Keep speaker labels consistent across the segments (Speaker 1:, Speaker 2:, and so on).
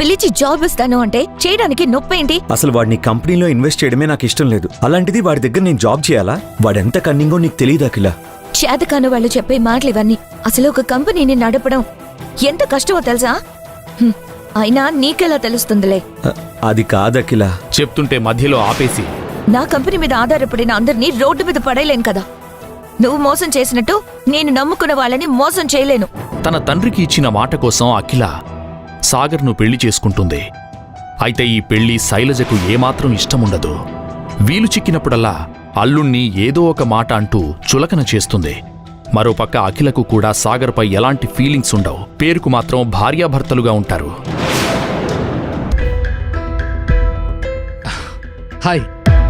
Speaker 1: పిలిచి జాబ్ ఇస్తాను అంటే చేయడానికి నొప్పేంటి?
Speaker 2: అసలు వాడిని కంపెనీలో ఇన్వెస్ట్ చేయడమే నాకు ఇష్టం లేదు. అలాంటిది వాడి దగ్గర నేను జాబ్ చేయాలా? వాడెంత కన్నింగో నీకు తెలియదు అఖిల.
Speaker 1: చేతకాని వాళ్ళు చెప్పే మాటలు ఇవన్నీ. అసలు ఒక కంపెనీని నడపడం ఎంత కష్టమో తెలుసా? అయినా నీకెలా తెలుస్తుందిలే.
Speaker 2: అది కాదు అఖిల.
Speaker 3: చెప్తుంటే మధ్యలో ఆపేసి,
Speaker 1: నా కంపెనీ మీద ఆధారపడిన అందరినీ రోడ్డు మీద పడేయలేను కదా. నువ్వు మోసం చేసినట్టు నేను నమ్ముకున్న వాళ్ళని మోసం చేయలేను.
Speaker 3: తన తండ్రికి ఇచ్చిన మాట కోసం అఖిల సాగర్ను పెళ్లి చేసుకుంటుంది. అయితే ఈ పెళ్లి శైలజకు ఏమాత్రం ఇష్టముండదు. వీలు చిక్కినప్పుడల్లా అల్లుణ్ణి ఏదో ఒక మాట అంటూ చులకన చేస్తుంది. మరోపక్క అఖిలకు కూడా సాగర్పై ఎలాంటి ఫీలింగ్స్ ఉండవు. పేరుకు మాత్రం భార్యాభర్తలుగా ఉంటారు.
Speaker 4: హాయ్.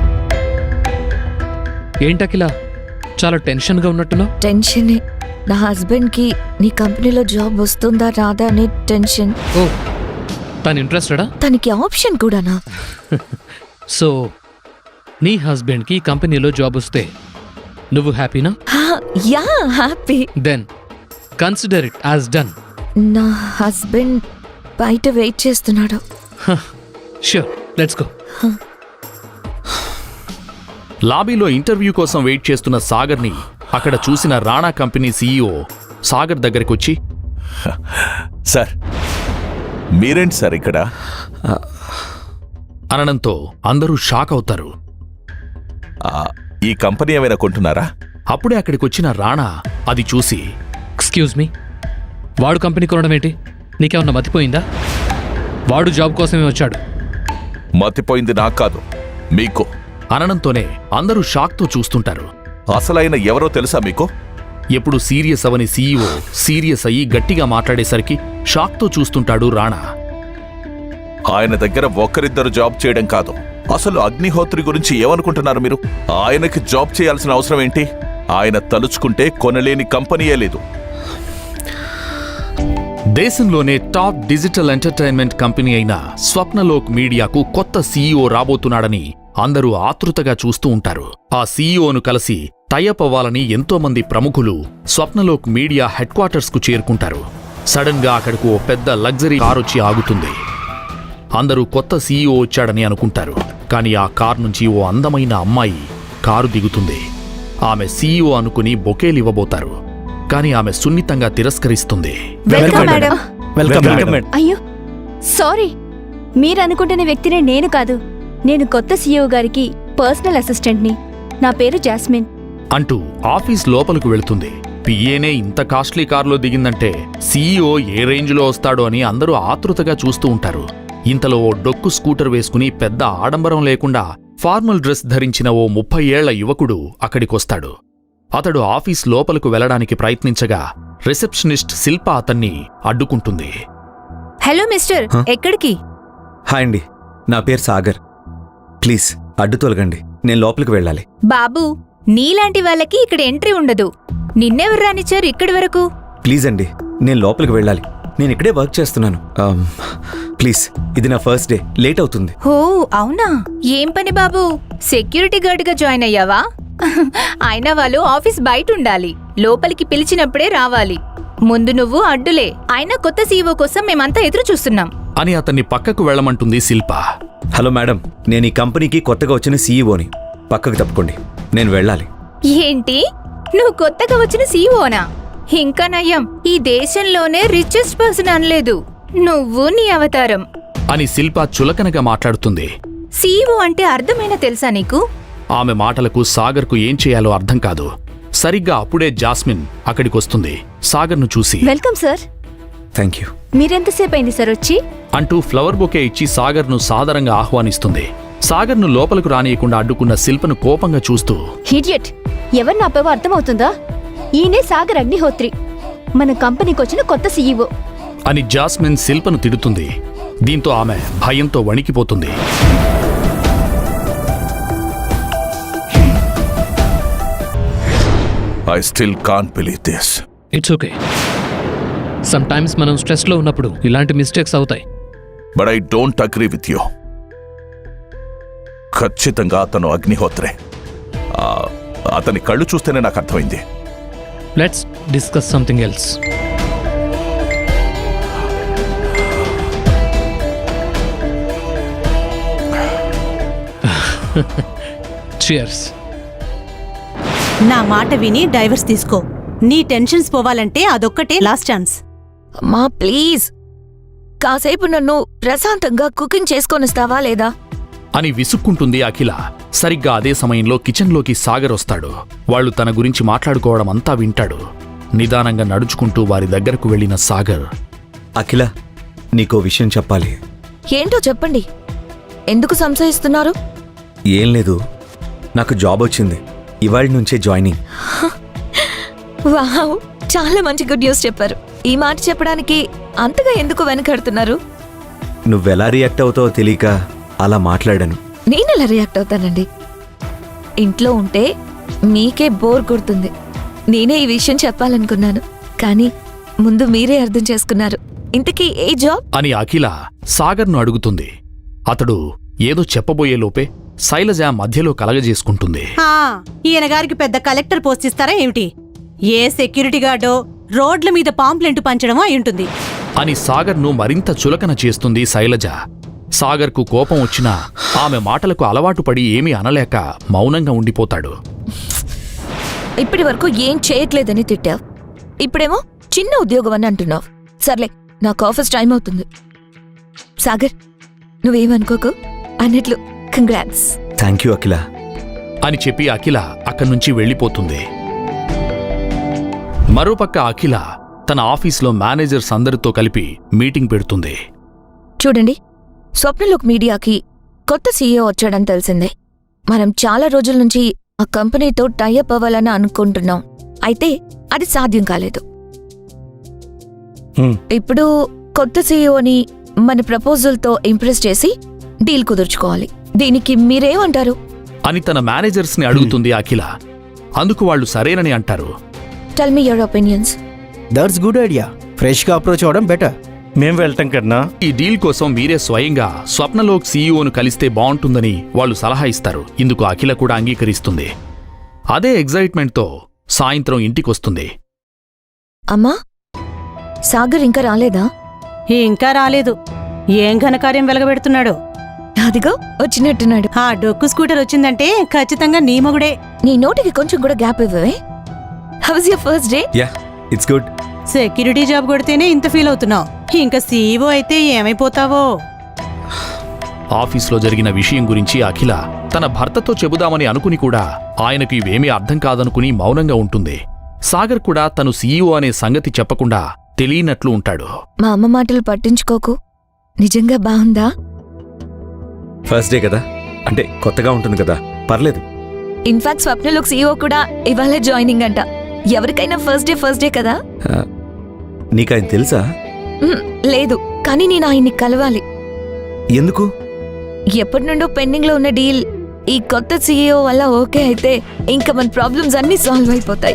Speaker 4: ఏంటకిలా చాలా టెన్షన్గా ఉన్నట్టున్నావు?
Speaker 1: టెన్షనే. నా హస్బెండ్కి నీ కంపెనీలో జాబ్ వస్తుందా రాదా అనే టెన్షన్.
Speaker 4: ఓ, తను ఇంట్రెస్టెడా?
Speaker 1: తనకి ఆప్షన్ కూడానా?
Speaker 4: సో నీ హస్బెండ్కి కంపెనీలో జాబ్ వస్తే నువ్వు హ్యాపీనా?
Speaker 1: Yeah, happy.
Speaker 4: Then consider it as done.
Speaker 1: నా హస్బెండ్ బయట వెయిట్ చేస్తున్నాడు.
Speaker 4: Sure, let's go.
Speaker 3: లాబీలో ఇంటర్వ్యూ కోసం వెయిట్ చేస్తున్న సాగర్ని అక్కడ చూసిన రాణా కంపెనీ సీఈఓ సాగర్ దగ్గరకొచ్చి,
Speaker 5: సార్ మీరేంటి సార్ ఇక్కడ
Speaker 3: అనడంతో అందరూ షాక్ అవుతారు.
Speaker 5: ఈ కంపెనీ ఏమైనా కొంటున్నారా?
Speaker 3: అప్పుడే అక్కడికొచ్చిన రాణా అది చూసి,
Speaker 4: ఎక్స్క్యూజ్ మీ, వాడు కంపెనీ కొనడం ఏంటి? నీకేమన్నా మతిపోయిందా? వాడు జాబ్ కోసమే వచ్చాడు.
Speaker 5: మతిపోయింది నాకు కాదు, మీకు.
Speaker 3: అనడంతోనే అందరూ షాక్తో చూస్తుంటారు.
Speaker 5: అసలైన ఎవరో తెలుసా మీకు?
Speaker 3: ఎప్పుడు సీరియస్ అవని సీఈఓ సీరియస్ అయ్యి గట్టిగా మాట్లాడేసరికి షాక్తో చూస్తుంటాడు రాణా.
Speaker 5: ఆయన దగ్గర ఒక్కరిద్దరు జాబ్ చేయడం కాదు, అసలు అగ్నిహోత్రి గురించి ఏమనుకుంటున్నారు మీరు? ఆయనకి జాబ్ చేయాల్సిన అవసరం ఏంటి? ఆయన తలుచుకుంటే కొనలేని కంపెనీయే లేదు.
Speaker 3: దేశంలోనే టాప్ డిజిటల్ ఎంటర్టైన్మెంట్ కంపెనీ అయిన స్వప్నలోక్ మీడియాకు కొత్త సీఈఓ రాబోతున్నాడని అందరూ ఆతృతగా చూస్తూ ఉంటారు. ఆ సీఈఓను కలిసి టైఅప్ అవ్వాలని ఎంతోమంది ప్రముఖులు స్వప్నలోక్ మీడియా హెడ్ క్వార్టర్స్కు చేరుకుంటారు. సడన్ గా అక్కడకు ఓ పెద్ద లగ్జరీ కారొచ్చి ఆగుతుంది. అందరూ కొత్త సీఈఓ వచ్చాడని అనుకుంటారు. కానీ ఆ కార్ నుంచి ఓ అందమైన అమ్మాయి కారు దిగుతుంది. ఆమె సీఈఓ అనుకుని బొకేలివ్వబోతారు. కానీ ఆమె సున్నితంగా తిరస్కరిస్తుంది.
Speaker 6: అయ్యో సారీ, మీరనుకుంటున్న వ్యక్తినే నేను కాదు. నేను కొత్త సీఈఓ గారికి పర్సనల్ అసిస్టెంట్ని. నా పేరు జాస్మిన్
Speaker 3: అంటూ ఆఫీస్ లోపలకు వెళుతుంది. పిఏనే ఇంత కాస్ట్లీ కారులో దిగిందంటే సీఈఓ ఏ రేంజ్లో వస్తాడో అని అందరూ ఆతృతగా చూస్తూ ఉంటారు. ఇంతలో ఓ డొక్కు స్కూటర్ వేసుకుని పెద్ద ఆడంబరం లేకుండా ఫార్మల్ డ్రెస్ ధరించిన ఓ 30 ఏళ్ల యువకుడు అక్కడికొస్తాడు. అతడు ఆఫీస్ లోపలకు వెళ్లడానికి ప్రయత్నించగా రిసెప్షనిస్ట్ శిల్ప అతన్ని అడ్డుకుంటుంది.
Speaker 6: హలో మిస్టర్, ఎక్కడికి?
Speaker 2: హాయ్ అండి, నా పేరు సాగర్. ప్లీజ్ అడ్డు తొలగండి, నేను లోపలికి వెళ్ళాలి.
Speaker 6: బాబు, నీలాంటి వాళ్ళకి ఇక్కడ ఎంట్రీ ఉండదు. నిన్నెవరు రానిచ్చారు ఇక్కడి వరకు?
Speaker 2: ప్లీజ్ అండి, నేను లోపలికి వెళ్ళాలి. నేను ఇక్కడే వర్క్ చేస్తున్నాను. ప్లీజ్, ఇది నా ఫస్ట్ డే, లేట్ అవుతుంది.
Speaker 6: ఓ అవునా? ఏం పని బాబు, సెక్యూరిటీ గార్డ్గా జాయిన్ అయ్యావా? అయినా వాళ్ళు ఆఫీస్ బయట ఉండాలి, లోపలికి పిలిచినప్పుడే రావాలి. ముందు నువ్వు అడ్డులే. అయినా కొత్త సీఈఓ కోసం మేమంతా ఎదురు చూస్తున్నాం
Speaker 3: అని అతన్ని పక్కకు వెళ్లమంటుంది శిల్ప.
Speaker 2: హలో మేడం, నేను ఈ కంపెనీకి కొత్తగా వచ్చిన సీఈఓని. పక్కకు తప్పుకోండి, నేను వెళ్ళాలి.
Speaker 6: ఏంటి, నువ్వు కొత్తగా వచ్చిన సీఈఓనా? ఇంకా నయ్యం, ఈ దేశంలోనే రిచెస్ట్ పర్సన్ అనలేదు నువ్వు, నీ అవతారం
Speaker 3: అని శిల్ప చులకనగా మాట్లాడుతుంది.
Speaker 6: సీఈఓ అంటే అర్థమైనా తెలుసా నీకు?
Speaker 3: ఆమె మాటలకు సాగర్కు ఏం చేయాలో అర్థం కాదు. సరిగ్గా అప్పుడే జాస్మిన్ అక్కడికొస్తుంది. సాగర్ను చూసి,
Speaker 6: వెల్కమ్ సార్.
Speaker 2: Thank you.
Speaker 6: మీరెంతసేపు అయింది సార్ వచ్చి?
Speaker 3: అంటూ ఫ్లవర్ బొకే ఇచ్చి సాగర్ను సాదరంగా ఆహ్వానిస్తుంది. సాగర్ను లోపలకు రానియకుండా అడ్డుకున్న శిల్పను కోపంగా చూస్తూ,
Speaker 6: హిడియట్, ఎవరు నాపేవో అర్థమవుతుందా? ఈయనే సాగర్ అగ్నిహోత్రి, మన కంపెనీకి వచ్చిన కొత్త సీఈఓ
Speaker 3: అని జాస్మిన్ శిల్పను తిడుతుంది. దీంతో ఆమె భయంతో వణికిపోతుంది.
Speaker 5: I still can't believe this.
Speaker 4: It's okay. Sometimes మనం స్ట్రెస్లో ఉన్నప్పుడు ఇలాంటి మిస్టేక్స్ అవుతాయి.
Speaker 5: But I don't agree with you. ఖచ్చితంగా అతను అగ్నిహోత్రే. అతని కళ్ళు చూస్తేనే నాకు అర్థమైంది.
Speaker 4: Let's discuss something else. Cheers.
Speaker 7: నా మాట విని డైవర్స్ తీసుకో. నీ టెన్షన్స్ పోవాలంటే అదొక్కటే లాస్ట్ ఛాన్స్.
Speaker 1: అమ్మా ప్లీజ్, కాసేపు నన్ను ప్రశాంతంగా కుకింగ్ చేసుకొనిస్తావా లేదా?
Speaker 3: అని విసుక్కుంటుంది అఖిల. సరిగ్గా అదే సమయంలో కిచెన్లోకి సాగర్ వస్తాడు. వాళ్ళు తన గురించి మాట్లాడుకోవడం అంతా వింటాడు. నిదానంగా నడుచుకుంటూ వారి దగ్గరకు వెళ్లిన సాగర్,
Speaker 2: అఖిల, నీకో విషయం చెప్పాలి.
Speaker 1: ఏంటో చెప్పండి. ఎందుకు సంశయిస్తున్నారు?
Speaker 2: ఏం లేదు, నాకు జాబ్ వచ్చింది. ఇవాళ నుంచే జాయినింగ్.
Speaker 1: వావ్, చాలా మంచి గుడ్ న్యూస్ చెప్పారు. ఈ మాట చెప్పడానికి అంతగా ఎందుకు వెనకడుతున్నారు?
Speaker 2: నువ్వెలా రియాక్ట్ అవుతావో తెలియక అలా మాట్లాడాను.
Speaker 1: నేనెలా రియాక్ట్ అవుతానండి? ఇంట్లో ఉంటే మీకే బోర్ కొడుతుంది. నేనే ఈ విషయం చెప్పాలనుకున్నాను, కానీ ముందు మీరే అర్థం చేసుకున్నారు. ఇంతకీ ఏ జాబ్
Speaker 3: అని అఖిల సాగర్ను అడుగుతుంది. అతడు ఏదో చెప్పబోయే లోపే శైలజ మధ్యలో కలగజేసుకుంటుంది.
Speaker 7: ఈయన గారికి పెద్ద కలెక్టర్ పోస్ట్ ఇస్తారా ఏమిటి? ఏ సెక్యూరిటీ గార్డో రోడ్ల మీద పాంప్లెంట్ పంచడమో అయి
Speaker 3: అని సాగర్ను మరింత చులకన చేస్తుంది శైలజ. సాగర్కు కోపం వచ్చినా ఆమె మాటలకు అలవాటు పడి ఏమీ అనలేక మౌనంగా ఉండిపోతాడు.
Speaker 1: ఇప్పటి వరకు ఏం చేయట్లేదని తిట్టావు, ఇప్పుడేమో చిన్న ఉద్యోగం అని అంటున్నావు. సర్లే, నాకు ఆఫీస్ టైం అవుతుంది. సాగర్, నువ్వేమనుకోకు. అన్నట్లు కంగ్రాట్స్.
Speaker 2: థ్యాంక్ యూ అఖిల
Speaker 3: అని చెప్పి అఖిల అక్కడ్నుంచి వెళ్ళిపోతుంది. మరోపక్క అఖిల తన ఆఫీస్లో మేనేజర్స్ అందరితో కలిపి మీటింగ్ పెడుతుంది.
Speaker 1: చూడండి, స్వప్నలోక్ మీడియాకి కొత్త సీఈఓ వచ్చాడని తెలిసిందే. మనం చాలా రోజుల నుంచి ఆ కంపెనీతో టైఅప్ అవ్వాలని అనుకుంటున్నాం. అయితే అది సాధ్యం కాలేదు. ఇప్పుడు కొత్త సీఈఓని మన ప్రపోజల్తో ఇంప్రెస్ చేసి డీల్ కుదుర్చుకోవాలి. దీనికి మీరేమంటారు
Speaker 3: అని తన మేనేజర్స్ని అడుగుతుంది అఖిల. అందుకు వాళ్ళు సరేనని అంటారు.
Speaker 1: Tell me your opinions.
Speaker 8: That's good idea. ఫ్రెష్గా అప్రోచ్ అవ్వడం బెటర్.
Speaker 9: మేం వెళ్ళటం కన్నా
Speaker 3: ఈ డీల్ కోసం మీరే స్వయంగా స్వప్నలోక్ సీఈఓను కలిస్తే బావుంటుందని వాళ్ళు సలహా ఇస్తారు. ఇందుకు అఖిల కూడా అంగీకరిస్తుంది. అదే ఎగ్జైట్మెంట్తో సాయంత్రం ఇంటికొస్తుంది.
Speaker 1: అమ్మా, సాగర్ ఇంకా రాలేదా?
Speaker 7: ఇంకా రాలేదు. ఏం ఘనకార్యం వెలగబెడుతున్నాడో.
Speaker 1: అదిగో వచ్చినట్టున్నాడు.
Speaker 7: ఆ డొక్కు స్కూటర్ వచ్చిందంటే ఖచ్చితంగా నీ మొగుడే.
Speaker 1: నీ నోటికి కొంచెం కూడా గ్యాప్ ఇవ్వవే. How was your first day?
Speaker 2: Yeah, it's good.
Speaker 7: Security job కొడితేనే ఇంత ఫీల్ అవుతున్నావు, ఇంకా సీఈఓ అయితే ఏమైపోతావో.
Speaker 3: ఆఫీస్లో జరిగిన విషయం గురించి అఖిల తన భర్తతో చెబుదామని అనుకుని కూడా ఆయనకు ఇవేమీ అర్థం కాదనుకుని మౌనంగా ఉంటుంది. సాగర్ కూడా తను సీఈఓ అనే సంగతి చెప్పకుండా తెలియనట్లు ఉంటాడు.
Speaker 1: మా అమ్మ మాటలు పట్టించుకోకు. నిజంగా బాగుందా?
Speaker 2: ఫస్ట్ డే కదా, అంటే కొత్తగా ఉంటుంది కదా, పర్లేదు.
Speaker 1: ఇన్ఫాక్ట్ స్వప్నలోక్ సీఈఓ కూడా ఇవాళ జాయినింగ్ అంట. ఎవరికైనా ఫస్ట్ డే కదా.
Speaker 2: నీకాయన తెలుసా?
Speaker 1: లేదు, కానీ నేను ఆయన్ని కలవాలి.
Speaker 2: ఎందుకు?
Speaker 1: ఎప్పటి నుండో పెండింగ్ లో ఉన్న డీల్ ఈ కొత్త సీఈఓ వల్ల ఓకే అయితే ఇంకా మన ప్రాబ్లమ్స్ అన్నీ సాల్వ్ అయిపోతాయి.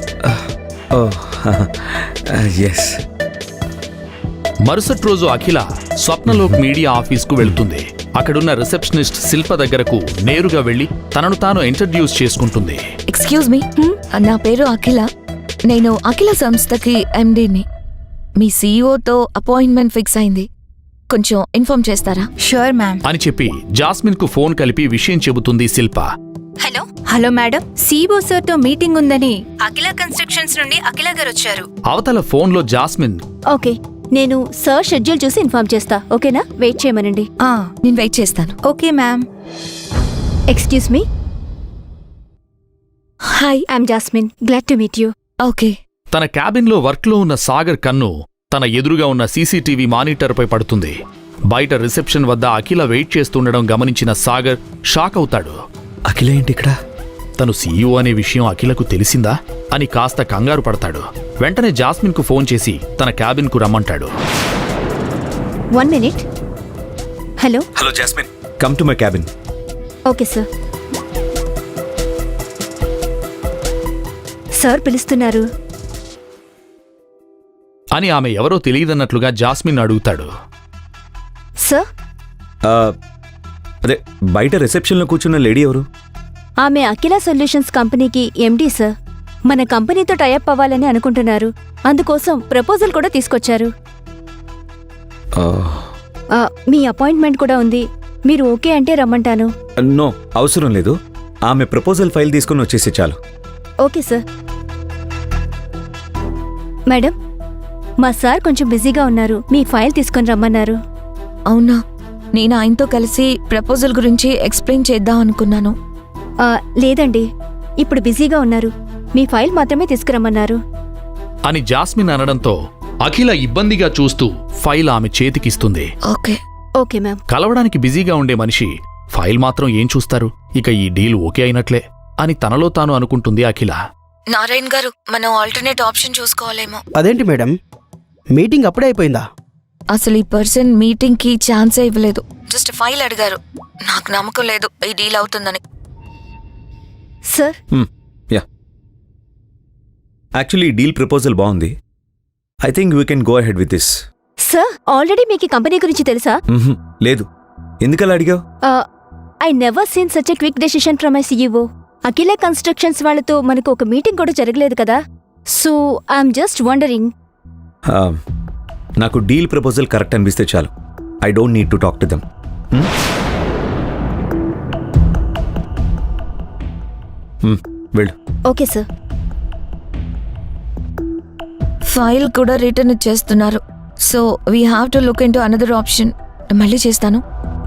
Speaker 2: ఎస్.
Speaker 3: మరుసటి రోజు అఖిల స్వప్నలోక్ మీడియా ఆఫీస్కు వెళుతుంది. అక్కడున్న రిసెప్షనిస్ట్ శిల్ప దగ్గరకు నేరుగా వెళ్లి తనను తాను ఇంట్రడ్యూస్ చేసుకుంటుంది.
Speaker 1: ఎక్స్క్యూజ్ మీ, నా పేరు అఖిల. నేను అఖిల సంస్థకి ఎండీని. మీ సీఈఓతో అపాయింట్మెంట్ ఫిక్స్ అయింది. కొంచెం ఇన్ఫార్మ్ చేస్తారా?
Speaker 6: Sure ma'am.
Speaker 3: అని చెప్పి జాస్మిన్కు ఫోన్ కలిపి విషయం చెబుతుంది Shilpa.
Speaker 6: Hello hello madam, CEO సార్తో మీటింగ్ ఉందని అఖిల కన్స్ట్రక్షన్స్ నుండి అఖిల గారు వచ్చారు.
Speaker 3: అవతల ఫోన్లో జాస్మిన్,
Speaker 10: ఓకే, నేను సార్ షెడ్యూల్ చూసి ఇన్ఫార్మ్ చేస్తా. ఓకేనా? వెయిట్ చేయమనండి.
Speaker 1: నేను వెయిట్ చేస్తాను.
Speaker 6: Okay ma'am.
Speaker 10: Excuse me.
Speaker 1: Hi.
Speaker 10: I'm Jasmine. Glad to meet you.
Speaker 1: Okay.
Speaker 3: తన క్యాబిన్లో వర్క్లో ఉన్న సాగర్ కన్ను తన ఎదురుగా ఉన్న సీసీటీవీ మానిటర్పై పడుతుంది. బయట రిసెప్షన్ వద్ద అఖిల వెయిట్ చేస్తుండడం గమనించిన సాగర్ షాక్ అవుతాడు.
Speaker 2: అఖిల ఏంటి ఇక్కడ?
Speaker 3: తను సీఈఓ అనే విషయం అఖిలకు తెలిసిందా అని కాస్త కంగారు పడతాడు. వెంటనే జాస్మిన్కు ఫోన్ చేసి తన క్యాబిన్కు రమ్మంటాడు.
Speaker 10: 1 minute. Hello.
Speaker 2: Hello Jasmine, come to my cabin.
Speaker 10: Okay sir. Sir పిలుస్తున్నారు
Speaker 3: అని ఆమె ఎవరో తెలియదన్నట్లుగా జాస్మిన్ అడుగుతాడు.
Speaker 10: సార్,
Speaker 2: అదే బయట రిసెప్షన్లో కూర్చున్న లేడీ ఎవరు?
Speaker 10: ఆమె అఖిల సొల్యూషన్స్ కంపెనీకి ఎండీ సార్. మన కంపెనీతో టైఅప్ అవ్వాలని అనుకుంటున్నారు. అందుకోసం ప్రపోజల్ కూడా తీసుకొచ్చారు. మీ అపాయింట్మెంట్ కూడా ఉంది. మీరు ఓకే అంటే రమ్మంటాను.
Speaker 2: నో, అవసరం లేదు. ఆమె ప్రపోజల్ ఫైల్ తీసుకుని వచ్చేసి చాలు.
Speaker 10: Okay sir. మేడం, మా సార్ కొంచెం బిజీగా ఉన్నారు, మీ ఫైల్ తీసుకొని రమ్మన్నారు.
Speaker 1: అవునా, నేను ఆయనతో కలిసి ప్రపోజల్ గురించి ఎక్స్ప్లెయిన్ చేద్దాం అనుకున్నాను.
Speaker 10: లేదండి, ఇప్పుడు బిజీగా ఉన్నారు, మీ ఫైల్ మాత్రమే తీసుకురమ్మన్నారు.
Speaker 3: అని జాస్మిన్ అనడంతో అఖిల ఇబ్బందిగా చూస్తూ ఫైల్ ఆమె చేతికిస్తుంది.
Speaker 1: ఓకే.
Speaker 10: Okay ma'am.
Speaker 3: కలవడానికి బిజీగా ఉండే మనిషి ఫైల్ మాత్రం ఏం చూస్తారు? ఇక ఈ డీల్ ఓకే అయినట్లే అని తనలో తాను అనుకుంటుంది అఖిల.
Speaker 1: నారాయణ్ గారు, మనం ఆల్టర్నేట్ ఆప్షన్ చూసుకోవాలేమో.
Speaker 8: అదేంటి మేడం, మీటింగ్ అప్పుడే అయిపోయిందా?
Speaker 1: అసలు ఈ పర్సన్ మీటింగ్ కి ఛాన్సే ఇవ్వలేదు, జస్ట్ ఫైల్ అడిగారు. నాకు నమ్మకం లేదు ఈ డీల్ అవుతుందని.
Speaker 10: Sir,
Speaker 2: yeah, actually deal proposal బాగుంది. I think we can go ahead with this.
Speaker 10: Sir, already మీకు ఈ కంపెనీ గురించి తెలుసా?
Speaker 2: లేదు. ఎందుకలా అడిగావు?
Speaker 10: I never seen such a quick decision from my CEO. Akhila constructions వాళ్ళతో మనకు ఒక మీటింగ్ కూడా జరగలేదు కదా, సో ఐఎమ్ జస్ట్ వండరింగ్.
Speaker 2: నాకు డీల్ ప్రపోజల్ కరెక్ట్ అనిపిస్తే చాలు. I don't need to talk to them. వెళ్ళు.
Speaker 10: Okay sir.
Speaker 1: ఫైల్ కూడా రిటర్న్ ఇచ్చేస్తున్నారు, so we have to look into another option. మళ్ళీ చేస్తాను.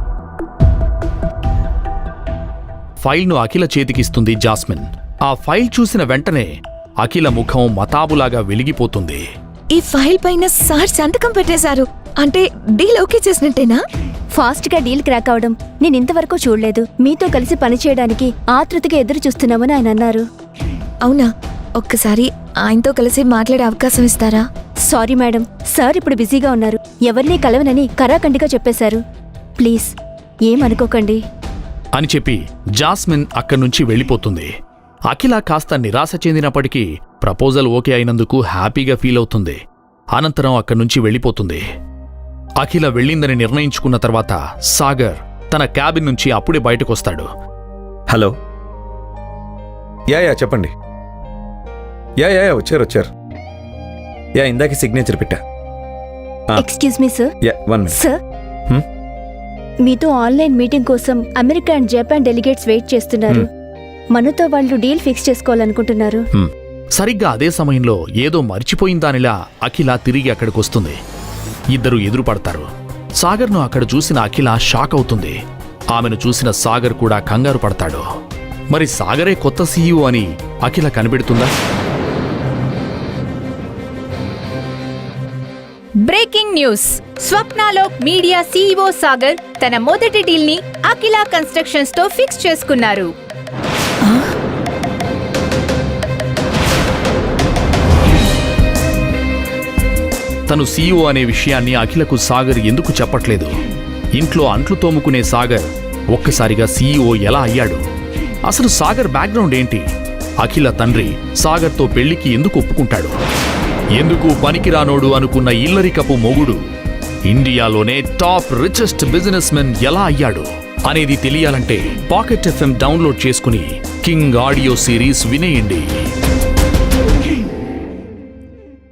Speaker 3: ఫైల్ను అఖిల చేతికిస్తుంది జాస్మిన్. ఆ ఫైల్ చూసిన వెంటనే అఖిల ముఖం మతాబులాగా వెలిగిపోతుంది.
Speaker 1: ఈ ఫైల్ పైన సార్ సంతకం పెట్టేశారు అంటే డీల్ ఓకే చేసినట్టేనా?
Speaker 10: ఫాస్ట్ గా డీల్ క్రాక్ అవడం నేను ఇంతవరకు చూడలేదు. మీతో కలిసి పనిచేయడానికి ఆతృతగా ఎదురు చూస్తున్నామని ఆయన అన్నారు.
Speaker 1: అవునా? ఒక్కసారి ఆయనతో కలిసి మాట్లాడే అవకాశం ఇస్తారా?
Speaker 10: సారీ మేడం, సార్ ఇప్పుడు బిజీగా ఉన్నారు, ఎవరినీ కలవనని కరాఖండిగా చెప్పేశారు. ప్లీజ్ ఏమనుకోకండి
Speaker 3: అని చెప్పి జాస్మిన్ అక్కడ్నుంచి వెళ్ళిపోతుంది. అఖిల కాస్త నిరాశ చెందినప్పటికీ ప్రపోజల్ ఓకే అయినందుకు హ్యాపీగా ఫీల్ అవుతుంది. అనంతరం అక్కడ్నుంచి వెళ్ళిపోతుంది. అఖిల వెళ్ళిందని నిర్ణయించుకున్న తర్వాత సాగర్ తన క్యాబిన్ నుంచి అప్పుడే బయటకొస్తాడు.
Speaker 2: హలో. యా చెప్పండి. యా వచ్చారు. యా, ఇందాక సిగ్నేచర్ పెట్టా.
Speaker 10: Excuse me sir.
Speaker 2: Yeah, 1 minute.
Speaker 10: Sir, మీతో ఆన్లైన్ మీటింగ్ కోసం America and Japan delegates wait చేస్తున్నారు. మనతో వాళ్ళు డీల్ ఫిక్స్ చేసుకోవాలనుకుంటున్నారు.
Speaker 3: సరిగ్గా అదే సమయంలో ఏదో మర్చిపోయిందానిలా అఖిల తిరిగి అక్కడికొస్తుంది. ఇద్దరు ఎదురుపడతారు. సాగర్ను అక్కడ చూసిన అఖిల షాక్ అవుతుంది. ఆమెను చూసిన సాగర్ కూడా కంగారు పడతాడు. మరి సాగరే కొత్త సీఈఓ అని అఖిల కనిపెడుతుందా?
Speaker 6: Breaking news! Swapnalok media CEO Sagar తన మొదటి డీల్ ని అఖిల కన్స్ట్రక్షన్స్ తో ఫిక్స్ చేసుకున్నారు.
Speaker 3: తను సీఈఓ అనే విషయాన్ని అఖిలకు సాగర్ ఎందుకు చెప్పట్లేదు? ఇంట్లో అంట్లు తోముకునే సాగర్ ఒక్కసారిగా సీఈఓ ఎలా అయ్యాడు? అసలు సాగర్ బ్యాక్గ్రౌండ్ ఏంటి? అఖిల తండ్రి సాగర్తో పెళ్లికి ఎందుకు ఒప్పుకుంటాడు? ఎందుకు పనికిరానోడు అనుకున్న ఇల్లరికపు మొగుడు ఇండియాలోనే టాప్ రిచెస్ట్ బిజినెస్ మెన్ ఎలా అయ్యాడు అనేది తెలియాలంటే పాకెట్ FM డౌన్లోడ్ చేసుకుని కింగ్ ఆడియో సిరీస్ వినేయండి.